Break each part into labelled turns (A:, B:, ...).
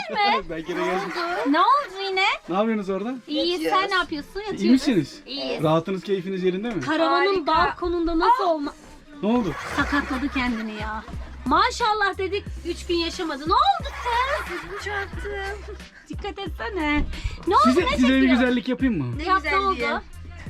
A: gelir mi?
B: Belki de geldim.
A: Ne oldu yine?
B: Ne yapıyorsunuz orada?
A: İyi, sen ne yapıyorsun? Yatıyoruz.
B: İyi misiniz?
A: İyiyiz.
B: Rahatınız, keyfiniz yerinde mi?
A: Karavanın balkonunda nasıl olma...
B: Ne oldu?
A: Sakatladı kendini ya. Maşallah dedik 3 gün yaşamadı. Ne oldu kız?
C: Çarptım.
A: Dikkat etsene. Ne oldu,
B: Size
A: ne
B: bir
A: çekiyor?
B: güzellik yapayım mı?
C: Ne
A: Yap, ne
C: güzelliği.
A: oldu?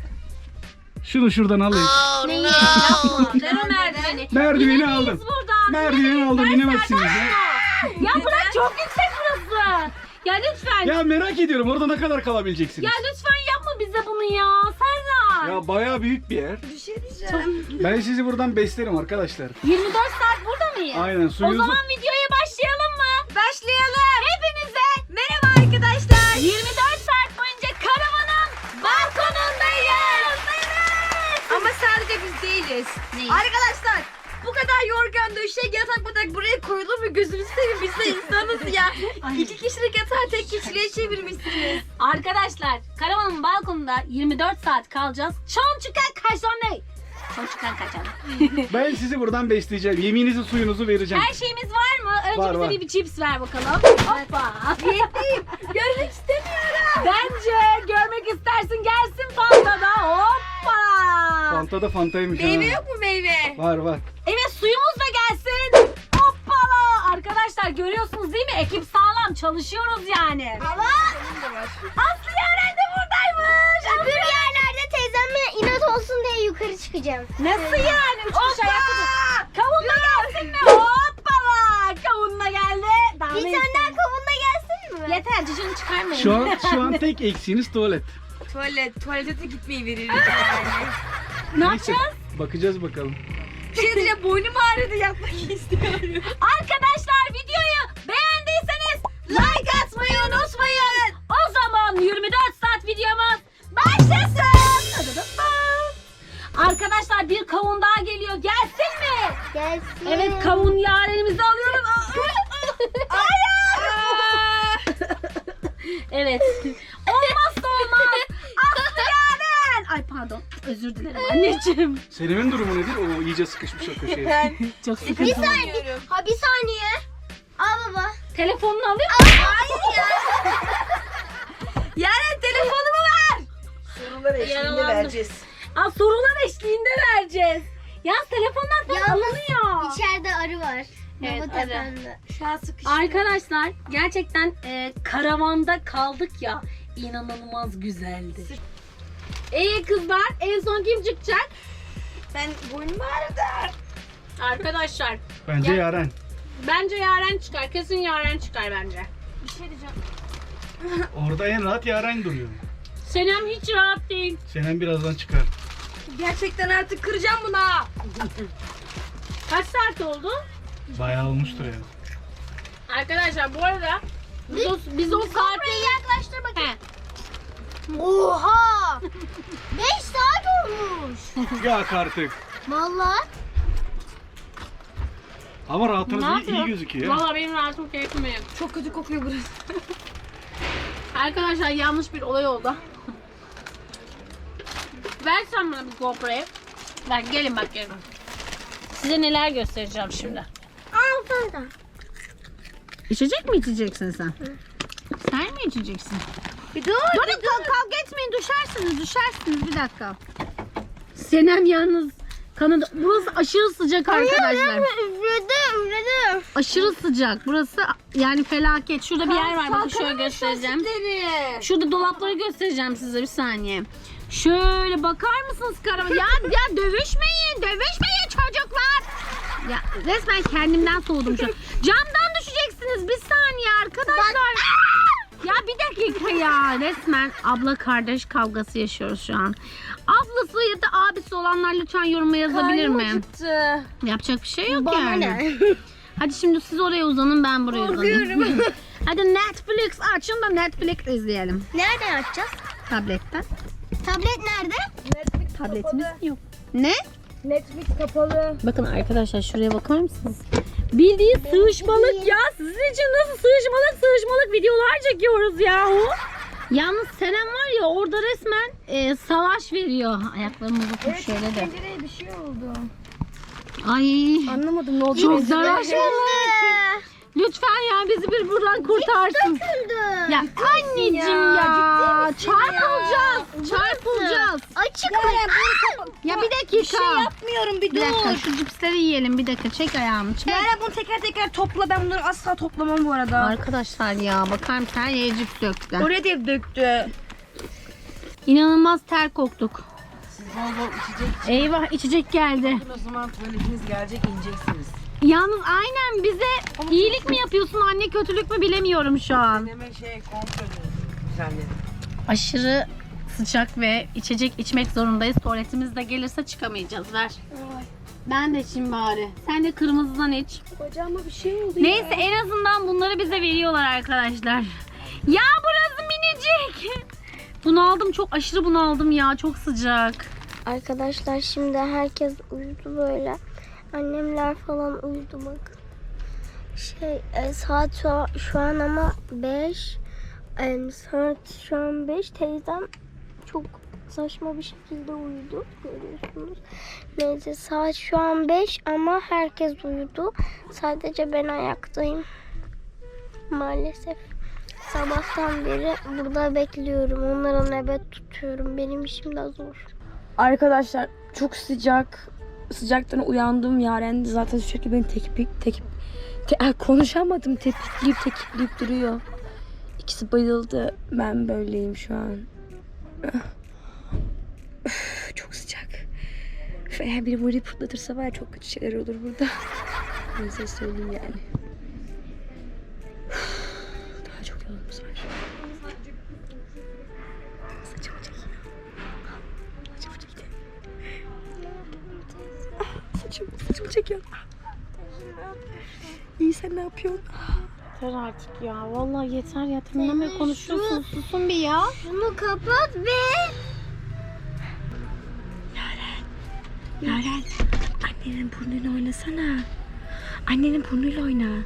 B: Şunu şuradan alayım.
A: Neyi? Yapma. Ver o merdiveni.
B: Merdiveni
A: İnemeyiz
B: aldım.
A: buradan.
B: Merdiveni aldım, inemezsiniz ya.
A: Ya bırak, çok yüksek burası. Ya lütfen.
B: Ya merak ediyorum orada ne kadar kalabileceksiniz?
A: Ya lütfen yapma bize bunu ya. Serdar.
B: Ya bayağı büyük bir yer.
C: Bir şey diyeceğim.
B: Ben sizi buradan beslerim arkadaşlar.
A: 24 saat burada mıyız?
B: Aynen,
A: O
B: suyunuzu...
A: zaman videoya başlayalım mı?
C: Başlayalım.
A: Hepinize
C: Merhaba arkadaşlar.
A: 24 saat boyunca karavanın balkonundayız.
C: Ama sadece biz değiliz.
A: Neyiz?
C: Arkadaşlar bu kadar yorgan döşek yatak batak buraya koyulur mu? Gözünüzü seveyim, biz de insanız ya. 2 kişilik yatağı tek kişiliğe çevirmişsiniz.
A: Arkadaşlar karavanın balkonunda 24 saat kalacağız. Çon çıkan kaçan ne? Çon çıkan kaçan.
B: Ben sizi buradan besleyeceğim. Yeminizi, suyunuzu vereceğim.
A: Her şeyimiz var mı? Önce
B: Var,
A: bize
B: var.
A: bir cips ver bakalım. Hoppa.
C: Yetliyim. Görmek istemiyorum.
A: Bence görmek istersin gelsin Fanta'da. Hoppa.
B: Fanta da Fanta'ymış ha.
C: Meyve yok mu meyve?
B: Var var.
A: Evet, suyumuz da gelsin. Hoppala. Arkadaşlar görüyorsunuz değil mi? Ekip sağlam, çalışıyoruz yani.
C: Ama
A: Aslı Yaren de buradaymış.
D: Öbür yerlerde teyzemle inat olsun diye yukarı çıkacağım.
A: Nasıl yani? 3 kişi ayakta dur. Kavunla gelsin mi? Hoppala. Kavunla geldi. Daha
D: Bir
A: ne
D: tane daha
A: istiyorsun?
D: kavunla gelsin mi?
A: Yeter, cicini çıkarmayın.
B: Şu an tek eksiğiniz tuvalet.
C: tuvalete de gitmeyi veririz yani.
A: Ne
B: Neyse,
A: yapacağız?
B: bakacağız bakalım.
C: Bir şey diyeceğim, boynum ağrıdı, yapmak istiyorum.
A: Arkadaşlar videoyu beğendiyseniz like atmayı unutmayın. O zaman 24 saat videomuz başlasın. Arkadaşlar bir kavun daha geliyor. Gelsin mi?
D: Gelsin.
A: Evet, kavun Yaren'imizi alıyoruz. Evet. Olmazsa olmaz. Aslı Yaren. Ay pardon. Özür dilerim anneciğim.
B: Selim'in durumu nedir? O iyice sıkışmış o köşeye.
A: Çok
D: Bir
A: sıkıntı.
D: saniye. Ha bir saniye. Al baba.
A: Telefonunu alayım mı?
D: Hayır ya.
C: Yaren telefonumu ver. Sorular
A: Yaralandım.
C: vereceğiz.
A: Aa, sorular eşliğinde vereceğiz. Ya telefonlar falan
D: Yalnız
A: alınıyor.
D: İçeride arı var.
A: Evet,
D: Baba
A: arı.
D: tepemde.
C: Şu an sıkıştım.
A: Arkadaşlar gerçekten karavanda kaldık ya, inanılmaz güzeldi. Kızlar, en son kim çıkacak?
C: Ben boynum ağrıdı.
A: Arkadaşlar
B: Bence
A: Ya-
B: Yaren.
A: bence Yaren çıkar, kesin Yaren çıkar bence.
C: Bir şey diyeceğim.
B: Orada en rahat Yaren duruyor.
A: Senem hiç rahat değil.
B: Senem birazdan çıkar.
C: Gerçekten artık kıracağım buna.
A: Kaç saat oldu?
B: Bayağı olmuştur ya.
A: Arkadaşlar bu arada biz o saati...
D: Yaklaştır bakayım.
A: He.
D: Oha. 5 saat olmuş.
B: Yak artık.
D: Vallahi.
B: Ama
A: Ne
B: rahatınız iyi
A: yapıyor?
B: gözüküyor.
A: Valla benim rahatım keyfim yok.
C: Çok kötü kokuyor burası.
A: Arkadaşlar yanlış bir olay oldu. Ver sen bana bir GoPro'yu. Bak gelin bak gelin. Size neler göstereceğim şimdi.
D: Al Fanta.
A: İçecek mi içeceksin sen? Sen mi içeceksin?
D: Bir dur.
A: Durun kavga etmeyin, düşersiniz bir dakika. Senem yalnız kanadı. Burası aşırı sıcak arkadaşlar.
D: Üfledi.
A: Aşırı sıcak. Burası yani felaket. Şurada bir yer var. Bakın şöyle göstereceğim. Şurada dolapları göstereceğim size bir saniye. Şöyle bakar mısınız karavan? Ya dövüşmeyin çocuklar. Ya resmen kendimden soğudum şu an. Camdan düşeceksiniz bir saniye arkadaşlar. Ya bir dakika ya, resmen abla kardeş kavgası yaşıyoruz şu an. Ablası ya da abisi olanlar lütfen yoruma yazabilir mi?
C: Acıktı.
A: Yapacak bir şey yok
D: Bana
A: yani.
D: ne?
A: Hadi şimdi siz oraya uzanın, ben buraya uzanayım. Hadi Netflix açın da Netflix izleyelim.
D: Nereden açacağız?
A: Tabletten.
D: Tablet nerede?
C: Netflix
A: Tabletimiz
C: kapalı.
A: yok. Ne?
C: Netflix kapalı.
A: Bakın arkadaşlar şuraya bakar mısınız? Bildiğin sığışmalık ya. Sizin için nasıl sığışmalık videolar çekiyoruz yahu. Yalnız Senem var ya orada resmen savaş veriyor. Ayaklarımı bakın şöyle de.
C: Pencereye bir şey oldu.
A: Ay
C: Anlamadım ne oldu.
A: çok savaş var. Lütfen ya bizi bir buradan kurtarsın. Ya anneciğim ya. Çarpılacağız. Çarpılacağız.
D: Açık
A: Ya bir dakika.
C: Bir şey yapmıyorum, bir
A: Bir dakika
C: dur.
A: şu cipsleri yiyelim. Bir dakika çek ayağımı çek.
C: Yaren bunu tekrar topla. Ben bunları asla toplamam bu arada.
A: Arkadaşlar ya bakar mısın her yere cips döktü.
C: Oraya da hep döktü.
A: İnanılmaz ter koktuk.
E: Siz bol bol içecek
A: Eyvah içecek geldi.
E: için o zaman tuvaletiniz gelecek, ineceksiniz.
A: Yalnız aynen bize iyilik mi yapıyorsun anne kötülük mü bilemiyorum şu an.
E: Deneme kontrol düzenledim.
A: Aşırı sıcak ve içecek içmek zorundayız. Tuvaletimiz de gelirse çıkamayacağız. Ver. Ben de içeyim bari. Sen de kırmızıdan iç.
C: Bacağıma bir şey oldu
A: Neyse en azından bunları bize veriyorlar arkadaşlar. Ya burası minicik. Bunaldım çok aşırı bunaldım ya çok sıcak.
D: Arkadaşlar şimdi herkes uyudu böyle. Annemler falan uyudu bakın. Saat şu an ama 5. Saat şu an 5. Teyzem çok saçma bir şekilde uyudu. Görüyorsunuz. Neyse saat şu an 5 ama herkes uyudu. Sadece ben ayaktayım. Maalesef. Sabahtan beri burada bekliyorum. Onlara nöbet tutuyorum. Benim işim de zor.
C: Arkadaşlar çok sıcak. Sıcaktan uyandım. Yaren de zaten sürekli beni konuşamadım. Tepikleyip duruyor. İkisi bayıldı. Ben böyleyim şu an. Üf, çok sıcak. Üf, eğer biri burayı fırlatırsa var ya çok kötü şeyler olur burada. Ben size söyleyeyim yani. Üf, daha çok yolumuz var. Saçımı çekeyim. Saçımı çekeyim. Saçımı çekiyorum. İyi sen ne yapıyorsun?
A: Yeter artık ya. Vallahi yeter ya. Tamamen konuşuyorsun. Susun bir ya.
D: Şunu kapat ve
C: Yaren, annenin burnuyla oynasana. Annenin burnuyla oyna.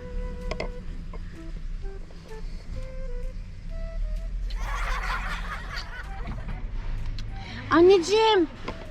A: Anneciğim.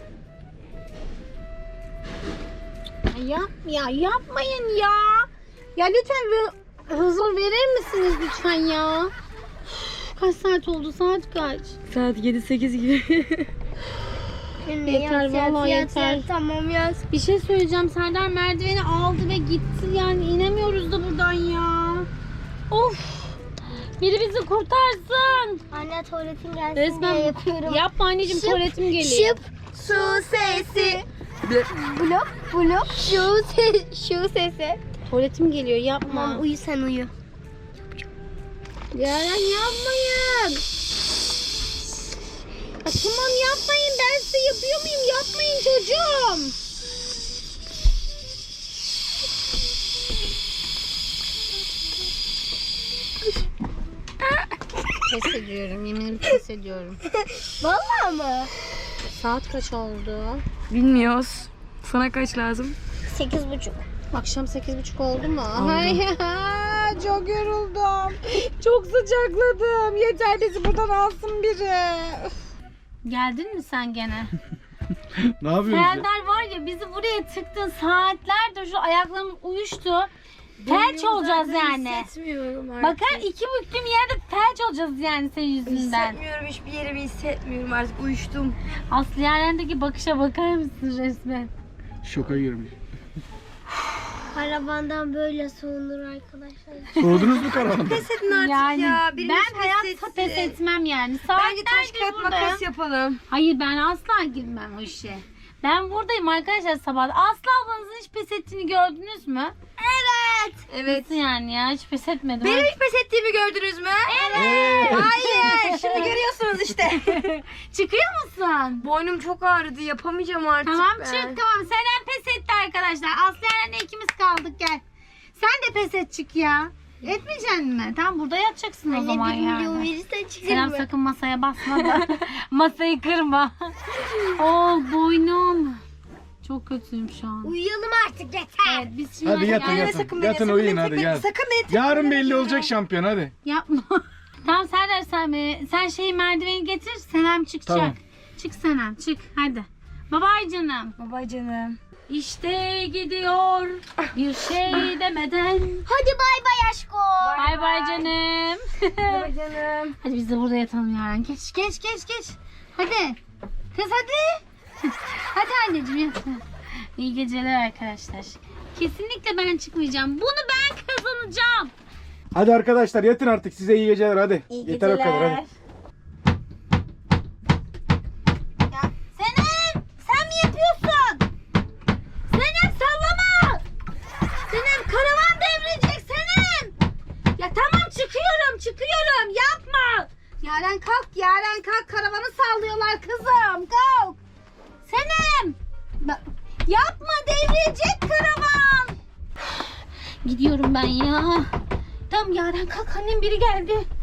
A: Yapmayın ya. Ya lütfen bir huzur verir misiniz lütfen ya? Üf, kaç saat oldu? Saat kaç?
C: Saat 7-8 gibi.
A: Yeter, vallahi yeter.
D: Tamam yaz.
A: Bir şey söyleyeceğim. Serdar merdiveni aldı ve gitti. Yani inemiyoruz da buradan ya. Of. Biri bizi kurtarsın.
D: Anne tuvaletin gelsin
A: Resmen
D: diye yapıyorum.
A: Yapma anneciğim
D: Şıp,
A: tuvaletim geliyor.
D: Şıp su sesi. Blop şu sesi.
A: Tuvaletim geliyor yapma.
D: Tamam uyu sen uyu.
A: Yaren yapmayın. Ya tamam yapmayın. Ben size yapıyor muyum? Yapmayın çocuğum. Pes ediyorum. Yeminimi pes ediyorum.
D: Vallahi mı?
A: Saat kaç oldu?
C: Bilmiyoruz. Sana kaç lazım?
D: 8:30.
A: Akşam 8:30 oldu mu? Ay, çok yoruldum. Çok sıcakladım. Yeter bizi buradan alsın biri. Geldin mi sen gene?
B: Ne yapıyorsun ya?
A: Serdar var ya bizi buraya tıktın saatlerdir şu ayaklarım uyuştu. Felç olacağız yani.
C: Hissetmiyorum artık.
A: Bakar iki büktüm yerde felç olacağız yani senin yüzünden.
C: Hissetmiyorum, hiçbir yerimi hissetmiyorum artık, uyuştum.
A: Aslı Yaren'deki bakışa bakar mısın resmen?
B: Şoka girmiş.
D: Karavandan böyle soğunur arkadaşlar.
B: Soğudunuz mu karavandan?
C: Pes edin artık
A: Yani
C: ya. Birimiz
A: ben hayatta pes etmem yani.
C: Bence
A: Saatlerdir
C: taş kağıt
A: buradayım.
C: makas yapalım.
A: Hayır ben asla girmem o işe. Ben buradayım arkadaşlar sabah. Aslı ablanızın hiç pes ettiğini gördünüz mü?
C: Evet.
A: Nasıl yani ya hiç pes etmedim.
C: Benim hiç pes ettiğimi gördünüz mü?
A: Evet.
C: Hayır. Şimdi görüyorsunuz işte.
A: Çıkıyor musun?
C: Boynum çok ağrıdı. Yapamayacağım artık
A: Tamam
C: ben.
A: çık tamam. Seren pes etti arkadaşlar. Aslı Yaren'le ikimiz kaldık gel. Sen de pes et çık ya. Etmeyeceksin mi? Tamam burada yatacaksın o zaman
D: Anne 1 milyon
A: yani.
D: verirsen çıkar
A: Seren
D: mı?
A: sakın masaya basma da. Masayı kırma. Boynum. Çok kötüyüm şu an.
D: Uyuyalım artık yeter.
A: Evet biz şimdi
B: Hadi yatın
A: yani-
B: yatın. Yatın uyuyun hadi gel.
C: Sakın beni
B: Yarın belli olacak şampiyon hadi.
A: Yapma. Tamam Serdar sen şeyi merdiveni getir. Senem çıkacak.
B: Tamam.
A: Çık Senem çık hadi. Babay canım.
C: Baba canım.
A: İşte gidiyor bir şey demeden.
D: Hadi bay bay aşko.
A: Bay bay canım.
C: Bay canım.
A: Hadi biz de burada yatalım Yaren. Geç. Hadi. Kız hadi. Hadi anneciğim yat. İyi geceler arkadaşlar. Kesinlikle ben çıkmayacağım. Bunu ben kazanacağım.
B: Hadi arkadaşlar yatın artık, size iyi geceler hadi.
C: İyi
B: Yeter o kadar
C: geceler.
B: hadi.
A: Senem sen mi yapıyorsun? Senem sallama. Senem karavan devrilecek Senem. Ya tamam çıkıyorum yapma. Yaren kalk karavanı sallıyorlar kızım kalk. Senem. Yapma devrilecek karavan. Gidiyorum ben ya. Tamam Yaren kalk annem biri geldi.